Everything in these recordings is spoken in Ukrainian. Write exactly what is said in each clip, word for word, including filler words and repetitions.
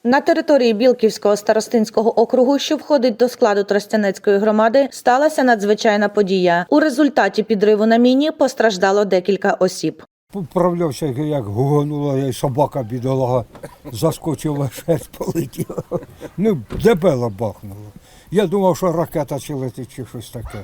На території Білківського старостинського округу, що входить до складу Тростянецької громади, сталася надзвичайна подія. У результаті підриву на міні постраждало декілька осіб. Поправлявся, як гуганула, і собака бідолага заскочила, шерсть полетіла. Ну, дебело бахнуло. Я думав, що ракета чи летить, чи щось таке.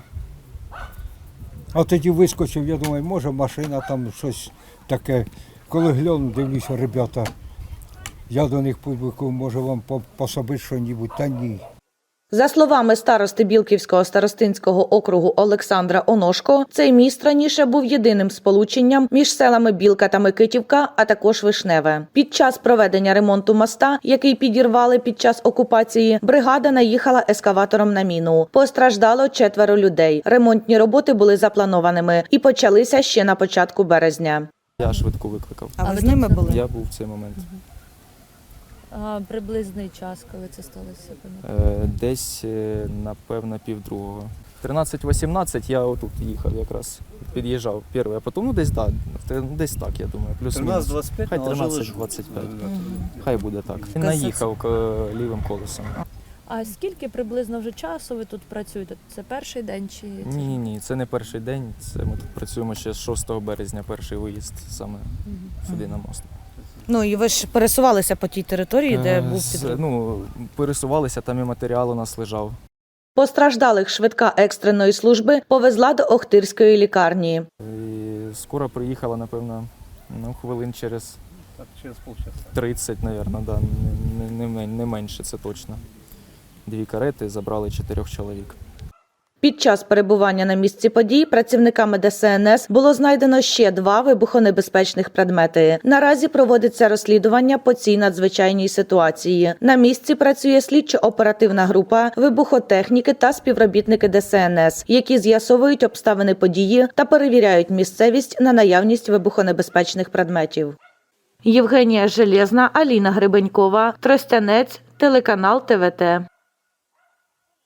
А тоді вискочив, я думаю, може машина там щось таке. Коли гляну, дивлюся, ребята, я до них публікую, може вам пособити що-небудь, та ні. За словами старости Білківського старостинського округу Олександра Оношко, цей міст раніше був єдиним сполученням між селами Білка та Микитівка, а також Вишневе. Під час проведення ремонту моста, який підірвали під час окупації, бригада наїхала ескаватором на міну. Постраждало четверо людей. Ремонтні роботи були запланованими і почалися ще на початку березня. Я швидку викликав. А ви з ними були? Я був в цей момент. А, приблизний час, коли це сталося? Е, Десь, е, напевно, півдругого. тринадцять вісімнадцять я отут їхав якраз, під'їжджав перший, а потім, ну десь, да, десь так, я думаю, плюс-мінус. двадцять п'ять, Хай тринадцять двадцять п'ять. Хай буде так. Він наїхав е, лівим колесом. А скільки приблизно вже часу ви тут працюєте? Це перший день чи? Ні, ні, ні, це не перший день, це ми тут працюємо ще з шостого березня, перший виїзд саме сюди на мост. Ну і ви ж пересувалися по тій території, де Е, був з- підрив. Ну, пересувалися, там і матеріал у нас лежав. Постраждалих швидка екстреної служби повезла до Охтирської лікарні. І скоро приїхала, напевно, ну, хвилин через Так, через полчаса. тридцять, напевно, да, не, не, не, не менше, це точно. Дві карети, забрали чотирьох чоловік. Під час перебування на місці подій працівниками Де Се Ен Ес було знайдено ще два вибухонебезпечних предмети. Наразі проводиться розслідування по цій надзвичайній ситуації. На місці працює слідчо-оперативна група, вибухотехніки та співробітники Де Се Ен Ес, які з'ясовують обставини події та перевіряють місцевість на наявність вибухонебезпечних предметів. Євгенія Железна, Аліна Гребенькова, Тростянець, телеканал Те Ве Те.